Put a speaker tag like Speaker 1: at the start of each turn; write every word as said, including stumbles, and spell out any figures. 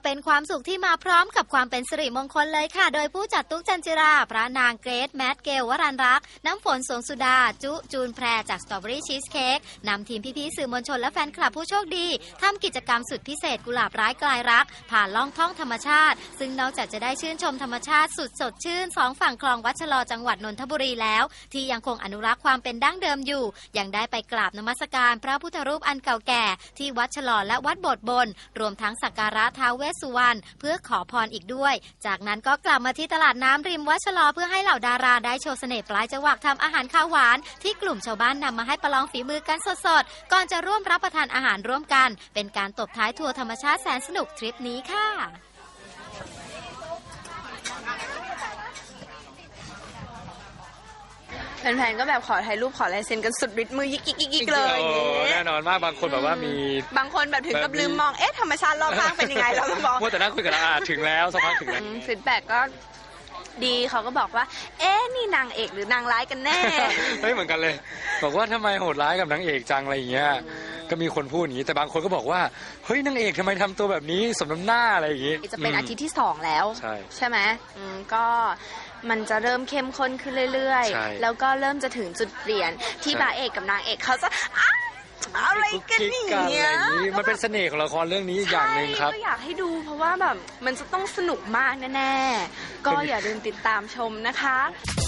Speaker 1: เป็นความสุขที่มาพร้อมกับความเป็นสิริมงคลเลยค่ะโดยผู้จัดตุ๊กจันจิราพระนางเกรทแมทเกลวรัญรักษ์น้ำฝนสวงสุดาจุจูนแพรจากสตรอเบอรี่ชีสเค้กนำทีมพี่ๆสื่อมวลชนและแฟนคลับผู้โชคดีทำกิจกรรมสุดพิเศษกุหลาบร้ายกลายรักผ่านล่องท่องธรรมชาติซึ่งนอกจากจะได้ชื่นชมธรรมชาติสุดสดชื่นสองฝั่งคลองวัดชะลอจังหวัดนนทบุรีแล้วที่ยังคงอนุรักษ์ความเป็นดั้งเดิมอยู่ยังได้ไปกราบนมัสการพระพุทธรูปอันเก่าแก่ที่วัดชะลอและวัดโบสถ์บนรวมทั้งสักการะท้าวเวสสุวรรณเพื่อขอพรอีกด้วยจากนั้นก็กลับมาที่ตลาดน้ำริมวัดชะลอเพื่อให้เหล่าดาราได้โชว์เสน่ห์ปลายจวักทำอาหารข้าวหวานที่กลุ่มชาวบ้านนำมาให้ประลองฝีมือกันสดๆก่อนจะร่วมรับประทานอาหารร่วมกันเป็นการตบท้ายทัวร์ธรรมชาติแสนสนุกทริปนี้ค่ะ
Speaker 2: แฟนๆก็แบบขอถ่ายรูปขอลายเซ็นกันสุดฤทธิ์มือยิกยิกยิกเลย
Speaker 3: แน่นอนมากบางคนแบบว่ามี
Speaker 2: บางคนแบบถึงกับลืมมองเอ๊ะธรรมชาติรอบข้างเป็นยังไงเราก็บอก
Speaker 3: ว่าแต่นั่งคุยกันอ่ะถึงแล้วสักพักถึงแล้ว
Speaker 2: ฟีดแบ็กก็ดีเขาก็บอกว่าเอ๊ะนี่นางเอกหรือนางร้ายกันแน่
Speaker 3: เฮ้ยเหมือนกันเลยบอกว่าทำไมโหดร้ายกับนางเอกจังอะไรอย่างเงี้ยก็มีคนพูดอย่างนี้แต่บางคนก็บอกว่าเฮ้ยนางเอกทำไมทำตัวแบบนี้สมน้ำหน้าอะไรอย่างงี้
Speaker 2: จะเป็นอาทิตย์ที่สองแล้ว
Speaker 3: ใช่
Speaker 2: ใช่ไหมก็มันจะเริ่มเข้มข้นขึ้นเรื่อยๆแล้วก็เริ่มจะถึงจุดเปลี่ยนที่พระเอกกับนางเอกเขาจะอะไรกันเนี่ย
Speaker 3: มันเป็นเสน่ห์ของละครเรื่องนี้อย่างหนึ่งครับ
Speaker 2: ก็อยากให้ดูเพราะว่าแบบมันจะต้องสนุกมากแน่ๆก็อย่าลืมติดตามชมนะคะ